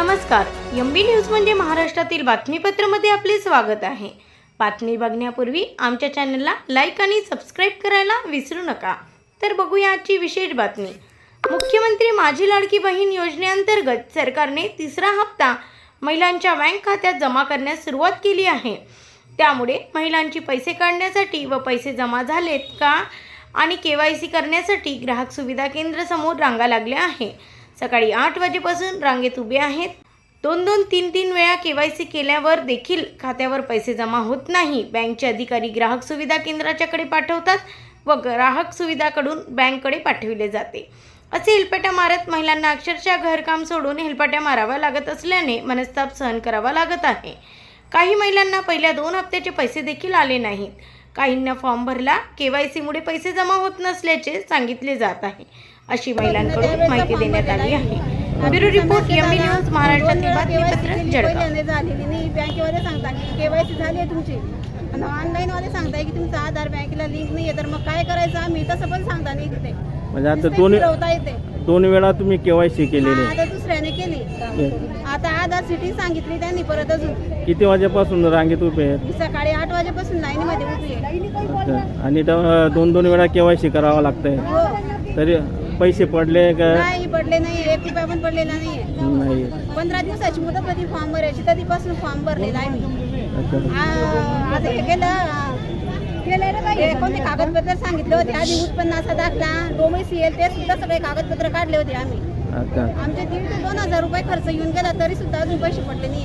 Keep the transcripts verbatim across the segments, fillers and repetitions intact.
नमस्कार, M B news म्हणजे महाराष्ट्रातील बातमीपत्रामध्ये आपले स्वागत आहे। बातमी बघण्यापूर्वी आमच्या चॅनलला लाईक आणि सबस्क्राईब करायला विसरू नका। तर बघूया आजची विशेष बातमी। मुख्यमंत्री माझी लाडकी बहीण योजनेअंतर्गत सरकारने तिसरा हप्ता महिलांच्या बँक खात्यात जमा करण्यास सुरुवात केली आहे। त्यामुळे महिलांची पैसे काढण्यासाठी व पैसे जमा झालेत का आणि के वाय सी करण्यासाठी ग्राहक सुविधा केंद्र समोर रांगा लागल्या आहे। सकाळी आठ वाजेपासून रांगेत उभे आहेत। दोन दोन तीन तीन वेळा के वाय सी केल्यावर देखील खात्यावर पैसे जमा होत नाही। बँकचे अधिकारी ग्राहक सुविधा केंद्राच्याकडे पाठवतात व ग्राहक सुविधाकडून बँककडे पाठविले जाते। असे हेलपाट्या मारत महिलांना अक्षरशः घरकाम सोडून हेलपाट्या मारावा लागत असल्याने मनस्ताप सहन करावा लागत आहे। काही महिलांना पहिल्या दोन हप्त्याचे पैसे देखील आले नाहीत। काहींना फॉर्म भरला, के वाय सी मुळे पैसे जमा होत नसल्याचे सांगितले जात आहे, अशी महिलांकडून माहिती देण्यात आली आहे। Bureau report, M B news, महाराष्ट्रातील बातमीपत्र, जळगाव। झालेली नाही, बँकेवाले सांगतात की केवायसी झाली आहे तुमची आणि ऑनलाईन वाले सांगताय की तुमचा आधार बँकेला लिंक नाही आहे, तर मग काय करायचं आम्ही तसं पण सांगता नाही तिथे। म्हणजे आता दोन दोन वेळा तुम्ही केवायसी केलेली, आता दुसऱ्याने केली। आता आधार सिटी सांगितली त्यांनी परत अजून। किती वाजेपासून रांगेत उभे आहेत? सकाळी आठ वाजेपासून लाईन मध्ये उभी आहे। अच्छा, आणि द- दोन दोन वेळा केवायसी करावं लागतंय, हो, तरी पैसे पडले का? नाही पडले नाही, एक रुपया पण पडलेला नाहीये। नाही। पंधरा दिवसाची मुदत होती फॉर्म भरायची, कधीपासून फॉर्म भरलेला आहे मी। अच्छा, आ- आता हे केलं हे कोणते कागदपत्र सांगितले होते आधी, उत्पन्नाचा दाखला, डोमेसियल, ते सुद्धा सगळे कागदपत्र काढले होते आम्ही। अच्छा, आमचे दीड ते दोन हजार रुपये खर्च येऊन गेला, तरी सुद्धा अजून पैसे पडले नाहीये।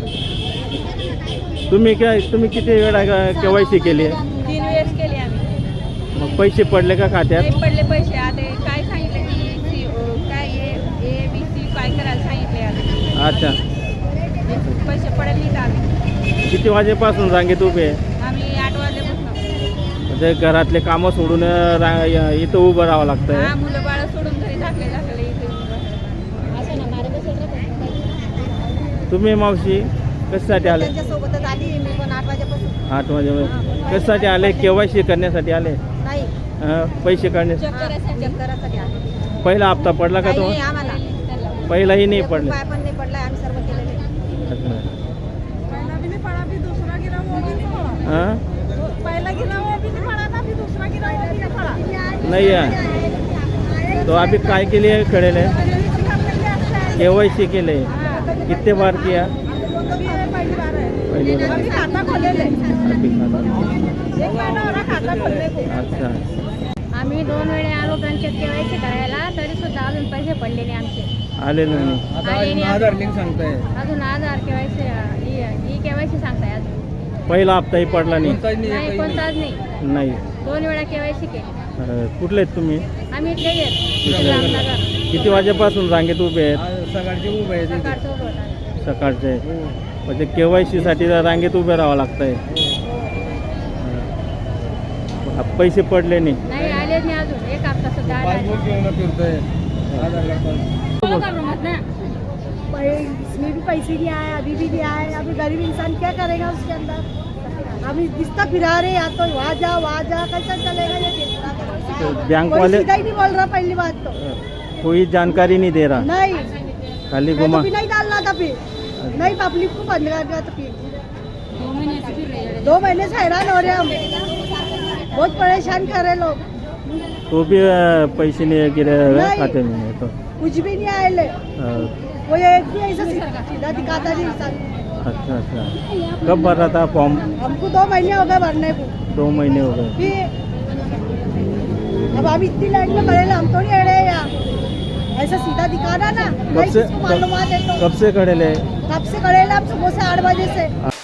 तुम्ही काय तुम्ही किती वेळा केवायसी केली? तीन वेळेस केले आम्ही, मग पैसे पडले का खात्यात? नाही पडले पैसे। आता काय सांगितले की सी काय ए बी सी काय करायला सांगितले आता। अच्छा, पैसे पडले नाहीत आम्ही। किती वाजेपासून रांगेत उभे आहे? आम्ही आठ वाजल्यापासून। म्हणजे घरातले कामं सोडून रा- इथं उभं राहावं लागतंय? हा, मुलं बाळ सोडून घरी टाकले टाकले इथे असं ना मारे बसेल रे। तुम्ही मावशी कशासाठी आले? त्यांच्यासोबतच आली मी पण आठ वाजेपासून। आठ वाजे कशासाठी आले? केवायसी करण्यासाठी आले? नाही, हं, पैसे काढण्यासाठी? चेक करायसाठी आले। पहिला हप्ता पडला का काही तो? नाही आम्हाला, पहिलाही नाही एक पडले? रुपया पण नाही पडलाय, आम्ही सर्व केलेले। अच्छा, पहिला भी नहीं पड़ा, अभी दूसरा गिरा वो भी नहीं पड़ा। हाँ? पहला गिरा वो भी नहीं पड़ा था, अभी दूसरा गिरा वो भी नहीं पड़ा। नहीं है तो अभी काय के लिए खड़े ले? केवायसी के लिए कितने बार किया? पहली बार है, पहली बार। अभी खाता खोले ले, अभी खाता। एक महीना हो रहा खाता खोलने को। अच्छा, आम्ही दोन वेळे आलो बँकेत केवायसी करायला, तरी सुद्धा अजून पैसे पडले नाही आमचे। आले नाही? आले नाही आधार लिंक सांगताय अजून, आधार केवायसी ई केवायसी सांगताय अजून। पहिला हप्ताही पडला नाही? नाही, कोणताच नाही। नाही। दोन वेळा केवायसी केली। अं, कुठले आहेत तुम्ही? आम्ही इथले इथले. आहेत। किती वाजेपासून रांगेत उभे आहेत? सकाळचं उभं होतं। सकाळचे, म्हणजे केवायसी साठी रांगेत उभे राहावं लागतंय? हं. पैसे पडले नाही? नहीं आले नहीं अजून, एक हफ्ता सुद्धा आला नहीं। इसमें भी पैसे नहीं आए, अभी भी नहीं आए। अभी गरीब इंसान क्या करेगा उसके अंदर? अभी दिखता फिरा रहे, या तो वहाँ जा वहाँ जा, कैसा चलेगा ये? तो बैंक वाले सीधा ही नहीं बोल रहा, पहली बात तो कोई जानकारी नहीं दे रहा, नहीं, खाली मैं तो घुमा? भी नहीं डालना था फिर, नहीं पब्लिक को बंद कर दिया। तो फिर दो महीने से हैरान हो रहे हम, बहुत परेशान कर रहे लोग। तो भी अं, पैसे नहीं गिरे हुए नहीं। खाते में? तो कुछ भी नहीं आए ले, अं, वो एक भी ऐसा सीधा दिखाता नहीं इंसान। अच्छा अच्छा, कब भर रहा था फॉर्म? हमको दो महीने हो गए भरने को। दो महीने हो गए। फिर अब हम इतनी लाइन में खड़े, हम तो नहीं अड़े यार, ऐसा सीधा दिखाना ना। कब नहीं से किसको मालूमात है तो कब से खड़े ले? कब से खड़े हम सुबह से आठ बजे से।